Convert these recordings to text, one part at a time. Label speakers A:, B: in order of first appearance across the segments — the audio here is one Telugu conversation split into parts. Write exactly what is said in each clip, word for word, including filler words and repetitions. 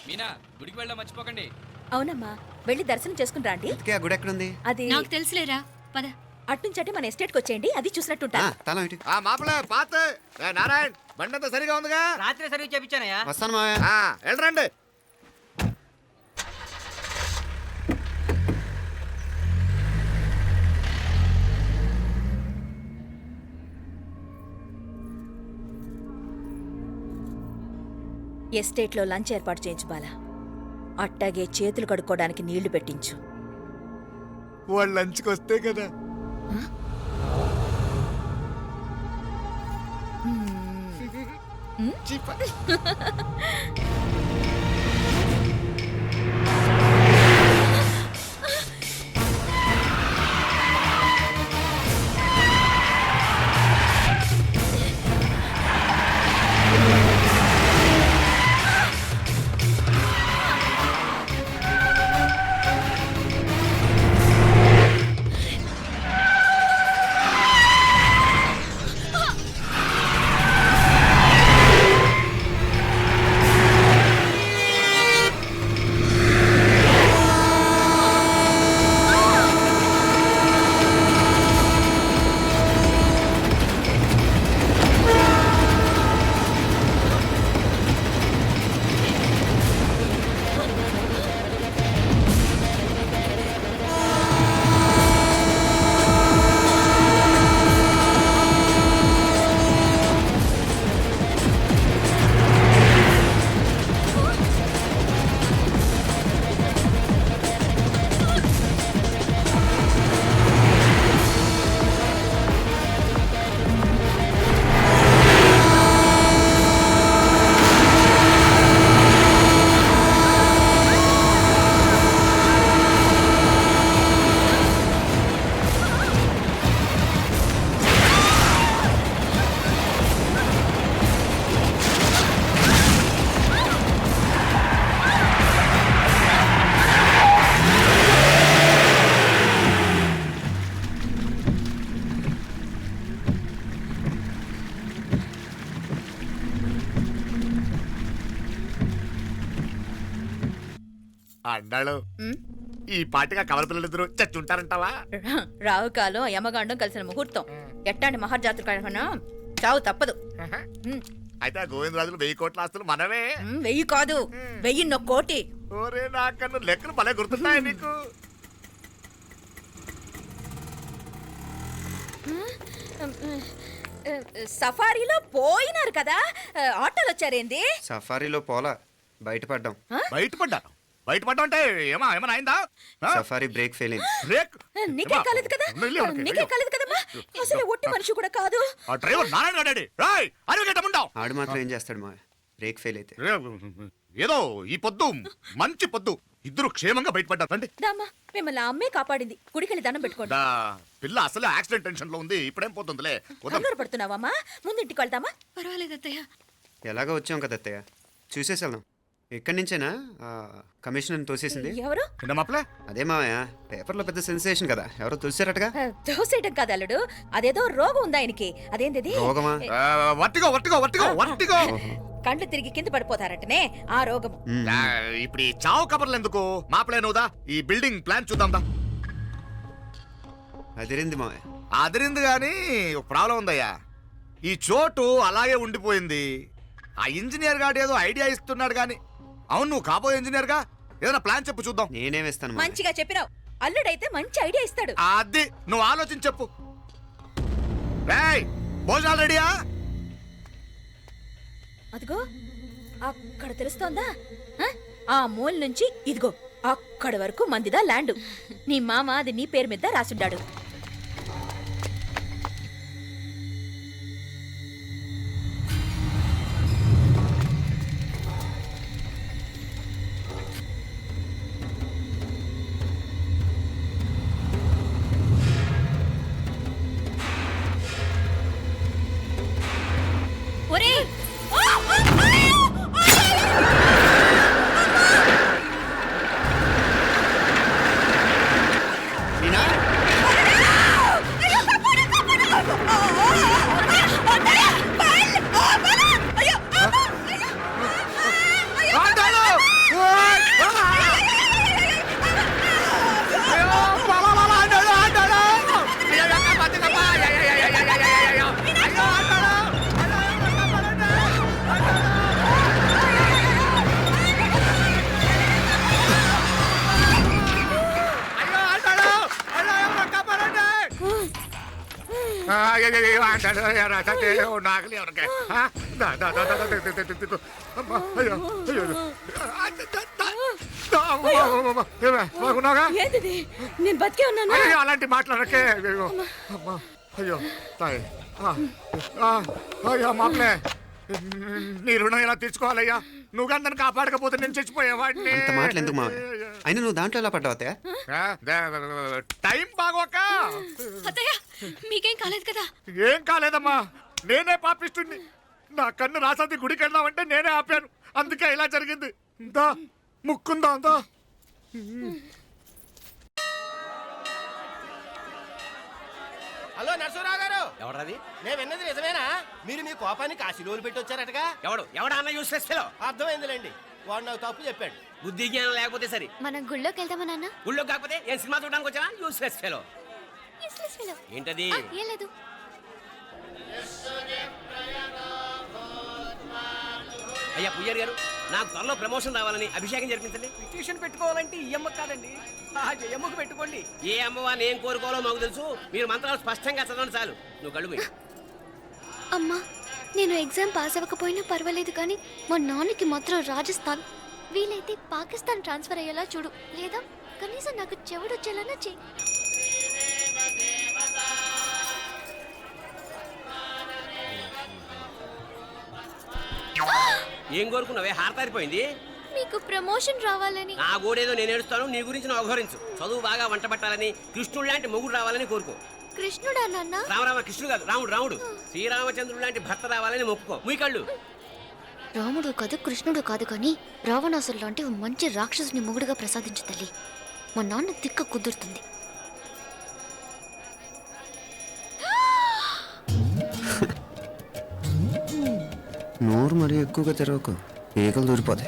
A: మీనా గుడికి వెళ్ళడం మర్చిపోకండి.
B: అవునమ్మా, వెళ్ళి దర్శనం చేసుకుని రండి.
C: ఇంతకీ ఆ గుడి ఎక్కడుంది?
B: అది
D: నాకు తెలుసులేరా, పద.
B: అట్నుంచి మన ఎస్టేట్కి వచ్చేయండి, అది చూసినట్టుంటా.
C: ఆ, తలం ఇటు.
E: ఆ మాపలే పాత ఏ నారాయణ్ బండంతా సరిగా ఉందిగా?
F: రాత్రి సర్వీస్ చేపించానయ్యా.
C: వస్తాను మావయ్య.
E: ఆ, వెళ్ళరండి.
B: ఎస్టేట్లో లంచ్ ఏర్పాటు చేయించు బాలా. అట్టాగే చేతులు కడుక్కోవడానికి నీళ్లు పెట్టించు.
E: వాళ్ళు లంచ్కి వస్తే కదా. చీప. అన్నాడు ఈ పాటిగా కవల పిల్లలిద్దరు చచ్చుంటారంటావా?
B: రావు కాలం యమగాండం కలిసిన ముహూర్తం. ఎట్టాంటి మహర్జాతృ కన్నా చావు తప్పదు.
E: అయితే ఆ గోవిందరాజులు వెయ్యి కోట్ల ఆస్తులు మనమే.
B: ఉమ్, వెయ్యి కాదు, వెయ్యిన్నో కోటి.
E: ఓరే నాకన్ను లెక్కలు భలే గుర్తున్నాయి నీకు.
B: సఫారీలో పోయినారు కదా, ఆటోలు వచ్చారేంది?
C: సఫారీలో పోలా, బయటపడ్డాం.
E: బయటపడ్డాను. బయటపడ్డా అంటే ఏమా ఏమైనా అయిందా?
C: సఫారీ బ్రేక్ ఫెయిల్ అయింది.
E: బ్రేక్?
B: నీకే కాలేదు కదా, నీకే కాలేదు కదమ్మా. అసలు ఒట్టి మనిషి కూడా కాదు.
E: ఆ డ్రైవర్ నారాయణ గాడండి. రాయ్ అరగటముండావు.
C: ఆడు మాత్రం ఏం చేస్తాడు మా బ్రేక్ ఫెయిల్ అయితే?
E: ఏదో ఈ పొద్దు మంచి పొద్దు ఇద్దరు క్షేమంగా బయటపడ్డారు. రండి.
B: దామా, మిమ్మల్ని అమ్మే కాపాడింది. గుడికెళ్ళి దండం పెట్టుకోండి.
E: దా, పిల్ల అసలు యాక్సిడెంట్ టెన్షన్ లో ఉంది. ఇప్పుడేం పోతుందిలే.
B: కంగారు పడుతున్నావమ్మా? ముందు ఇంటికి వెళ్తామా?
D: పర్వాలేదు అత్తయ్య.
C: ఎలాగో వచ్చాం కదా అత్తయ్య, చూసేసి వెళ్దాం. ఎక్కడి నుంచేనా కమిషనర్ తోసేసింది?
B: ఎవరు?
C: అదే మావయ్య, పేపర్లో పెద్ద సెన్సేషన్ కదా, ఎవరో తోసారటగా.
B: దోసేయటం కాదు అల్లుడు, అదేదో రోగం ఉందా ఆయనకి. అదేంటిది?
C: రోగమా?
E: వట్టిగో వట్టిగో వట్టిగో వట్టిగో.
B: కండ్లు తిరిగి కింద పడిపోతారటనే ఆ రోగం.
E: ఇప్పుడు ఈ చావు కబర్లు ఎందుకు? మాపలేనుదా ఈ బిల్డింగ్ ప్లాన్ చూద్దాం.
C: అదిరింది మావయ్య.
E: అదిరింది గాని ఒక ప్రాబ్లం ఉందయ్యా. ఈ చోటు అలాగే ఉండిపోయింది. ఆ ఇంజనీర్ గాడు ఏదో ఐడియా ఇస్తున్నాడు గాని. అవును, నువ్వు కాబోయే ఇంజనీర్ గా ఏదైనా ప్లాన్ చెప్పు చూద్దాం.
C: నేనేమిస్తాను?
B: మంచిగా చెప్పినావు. అల్లుడైతే మంచి ఐడియా ఇస్తాడు.
E: అది నువ్వు ఆలోచించి చెప్పు. భోజనాలు రెడీయా?
B: అదిగో అక్కడ తెలుస్తోందా? ఆ మూల నుంచి ఇదిగో అక్కడ వరకు మందిదా ల్యాండ్. నీ మామ అది నీ పేరు మీద రాసుండాడు.
C: మీనా
E: అయ్యో అంటాడు నాకలి ఎవరికే బాగున్నాగా
B: ఏంటిది నేను బతికే ఉన్నాను
E: అయ్యో అలాంటి మాట్లాడకే అయ్యో అమ్మా అయ్యో తాయి అయ్యో మామలే నీ రుణం ఎలా తీర్చుకోవాలయ్యా నువ్వు అందరిని కాపాడకపోతే నేను చచ్చిపోయేవాడిని
C: అంత మాటలు ఎందుకు మా అయినా నువ్వు దాంట్లో ఎలా పడ్డావు అత్తయ్య?
E: టైం బాగోక
D: అత్తయ్య మీకేం కాలేదు కదా?
E: ఏం కాలేదమ్మా నేనే పాపిస్తుంది నా కన్ను రాసాది గుడికి వెళ్దామంటే నేనే ఆపాను అందుకే ఇలా జరిగింది దా ముక్కుందా అంతా
F: హలో నరసరావు గారు
A: ఎవడది?
F: నేను విన్నది నిజమేనా? మీరు మీ కోపాన్ని కాశీలోలు పెట్టి వచ్చారటగా?
A: ఎవడు ఎవడా అన్న యూస్లెస్ ఫెలో.
F: అర్థమైందిలేండి, వాడు నాకు తప్పు చెప్పాడు.
A: బుద్ధి జ్ఞానం లేకపోతే సరే.
D: మనం గుళ్ళోకి వెళ్దామా నాన్న?
A: ఊళ్ళో కాకపోతే ఏం సినిమా చూడడానికి వచ్చావా? Useless fellow.
D: Useless fellow.
A: ఏంటది?
D: ఆ, ఏం లేదు.
A: అయ్యా పుయ్యర్ గారు, నాకు త్వరలో ప్రమోషన్ రావాలని అభిషేకం జరిపించండి. పిటిషన్ పెట్టుకోవాలంటే ఈ అమ్మ కాదండి, ఆ జయమ్మకు పెట్టుకోండి. ఏ అమ్మవారిని ఏం కోరుకోవాలో మాకు తెలుసు. మీరు మంత్రాలు స్పష్టంగా చదవండి చాలు. నువ్వు కళ్ళు మూయి.
D: అమ్మా, నేను ఎగ్జామ్ పాస్ అవ్వకపోయినా పర్వాలేదు కానీ మా నాన్నకి మాత్రం రాజస్థాన్ వీలైతే పాకిస్తాన్ ట్రాన్స్ఫర్ అయ్యేలా చూడు, లేదా కనీసం నాకు చెవుడు వచ్చేలానా చెయ్యి.
A: ఏం కోరుకున్నావే? హారతారిపోయింది.
D: మీకు ప్రమోషన్ రావాలని.
A: నా గోడేదో నేను ఏడుస్తాను, నీ గురించి నువ్వు అవహరించు. చదువు బాగా వంట పట్టాలని, కృష్ణుడు లాంటి మొగుడు రావాలని కోరుకో.
D: కృష్ణుడా నాన్న?
A: రామరామ కృష్ణుడు కాదు, రాముడు రాముడు. శ్రీరామచంద్రుడు లాంటి భర్త రావాలని మొక్కుకో. మీ కళ్ళు.
D: రాముడు కాదు కృష్ణుడు కాదు కానీ రావణాసురు లాంటి ఓ మంచి రాక్షసుని మొగుడుగా ప్రసాదించు తల్లి. మా నాన్న తిక్క కుదురుతుంది.
C: నోరు మరీ ఎక్కువగా తెరవకు, ఈకలు దూరిపోతాయి.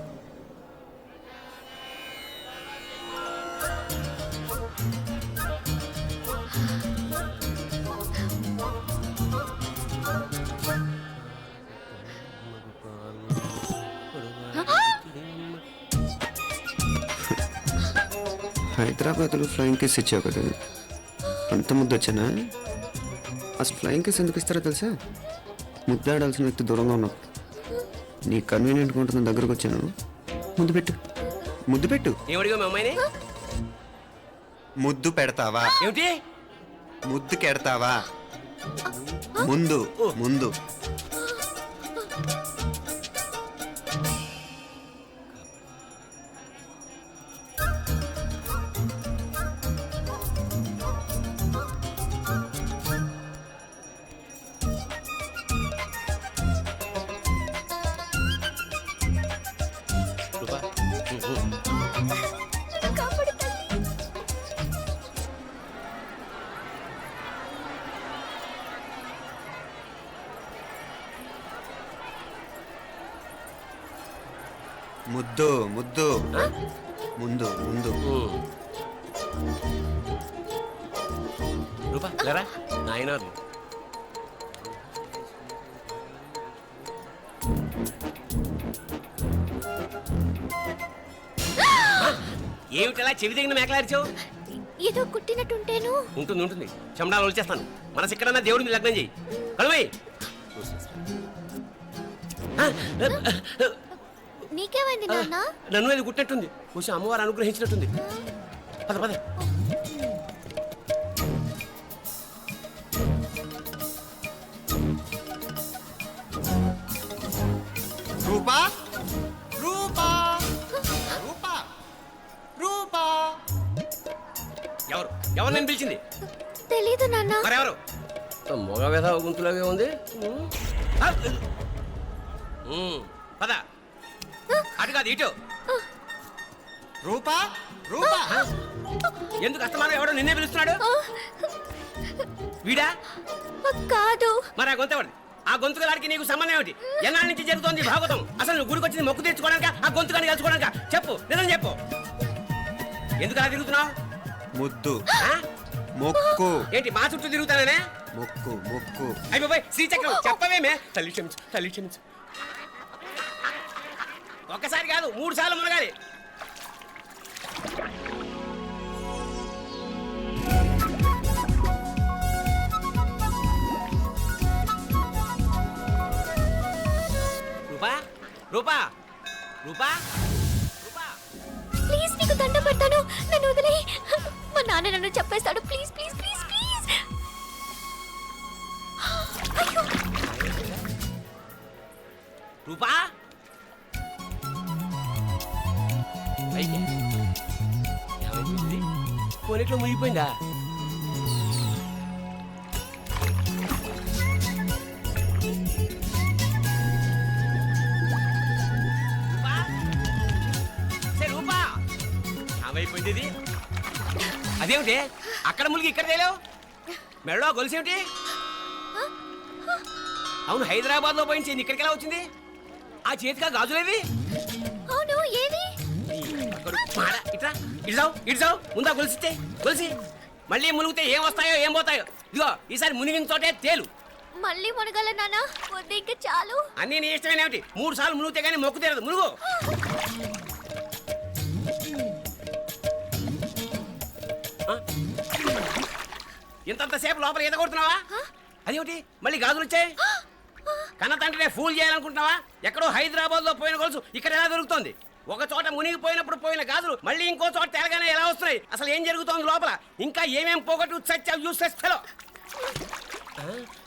C: హైదరాబాద్లో ఫ్లయింగ్ కేస్ ఇచ్చావు కదా, అంత ముద్దు వచ్చానా? అసలు ఫ్లయింగ్ కేస్ ఎందుకు ఇస్తారో తెలుసా? ముద్దాడాల్సిన వ్యక్తి దూరంగా ఉన్నావు. నీ కన్వీనియంట్గా ఉంటుంది దగ్గరకు వచ్చాను. ముద్దు పెట్టు, ముద్దు పెట్టు.
A: ఏమడిగా మీ అమ్మాయిని?
C: ముద్దు పెడతావా?
A: ఏమిటి?
C: ముద్దు కెడతావా? ముందు ముందు ముద్దు ముద్దు ముందు ముందు.
A: రూపా లేరా నాయనారు. ఏమిటలా చెవి దగ్గర మేకలారిచావు?
D: ఏదో కుట్టినట్టుంటేను.
A: ఉంటుంది ఉంటుంది, చెమడాలు వచ్చేస్తాను. మనసు ఎక్కడన్నా దేవుడి మీద లగ్నం చేయి. కడుమై.
D: నీకేమైంది నాన్న?
A: నన్ను అది గుట్టినట్టుంది, కొంచెం అమ్మవారు అనుగ్రహించినట్టుంది. పద పద.
C: రూపా రూపా రూపా రూపా.
A: ఎవరు ఎవరు నేను పిలిచింది?
D: తెలీదు నాన్న.
A: మరెవరు? మొగ వ్యధ గుంతులాగే ఉంది. ఉమ్, పద. అటు కాదు ఇటు.
C: రూపా రూపా.
A: ఎందుకు అస్తమానం ఎవడో నిన్నే పిలుస్తున్నాడు? వీడా?
D: కాదు.
A: మరి ఆ గొంతు ఎవరిది? ఆ గొంతుకలాడికి నీకు సంబంధం ఏమిటి? ఎన్నాళ్ళ నుంచి జరుగుతోంది భాగవతం? అసలు నువ్వు గుడికి వచ్చింది మొక్కు తెచ్చుకోవడానిక, ఆ గొంతుకాన్ని కలుసుకోవడానిక? చెప్పు, నిజం చెప్పు. ఎందుకు అలా తిరుగుతున్నావు?
C: ముద్దు మొక్కు.
A: ఏంటి మా చుట్టూ తిరుగుతానే?
C: మొక్కు మొక్కు.
A: అయిపోయి శ్రీచక్రం చెప్పవేమే? తల్లి క్షమించు, తల్లి క్షమించు. ఒక్కసారి కాదు మూడు సార్లు మునగాలి. రూపా రూపా రూపా
D: ప్లీజ్ నీకు దండం పెడతాను, నన్ను వదిలే. మా నాన్న నన్ను చెప్పేస్తాడు. Please please please please. అయ్యో,
A: రూపా అయితే ఏమైంది? పోనీట్లో మునిగిపోయిందా? రూపా? సే రూపా ఏమైపోయింది ఇది? అదేమిటి అక్కడ మునిగి ఇక్కడ తేలేవు? మెడలో గొలుసేమిటి? అవును, హైదరాబాద్ లో పోయించింది, ఇక్కడికి ఎలా వచ్చింది? ఆ చేతిగా గాజులేవి?
D: అవును ఏవి?
A: ఇట్రా ఇడ్జావు ఇడ్జావు ముందా గొలిసితే గొలిసి మళ్ళీ మునిగితే ఏం వస్తాయో ఏం పోతాయో. ఇదిగో ఈసారి మునిగిన చోటే తేలు.
D: మళ్ళీ మునగల నాన్న, వద్దు ఇంకా చాలు.
A: అన్నీ నీ ఇష్టమేనేమిటి? మూడు సార్లు మునిగితే కానీ మొక్కు తీరదు. మునుగు. ఆ? ఇంతంతసేపు లోపల ఈత కొడుతున్నావా? అదేమిటి మళ్ళీ గాజులు వచ్చాయి? కన్న తండ్రినే ఫూల్ చేయాలనుకుంటున్నావా? ఎక్కడో హైదరాబాద్ లో పోయిన గొలుసు ఇక్కడ ఎలా దొరుకుతుంది? ఒక చోట మునిగిపోయినప్పుడు పోయిన గాజులు మళ్ళీ ఇంకో చోట తేలగానే ఎలా వస్తున్నాయి? అసలు ఏం జరుగుతోంది లోపల? ఇంకా ఏమేం పోగొట్టు సత్యం యూస్లెస్ ఫెలో.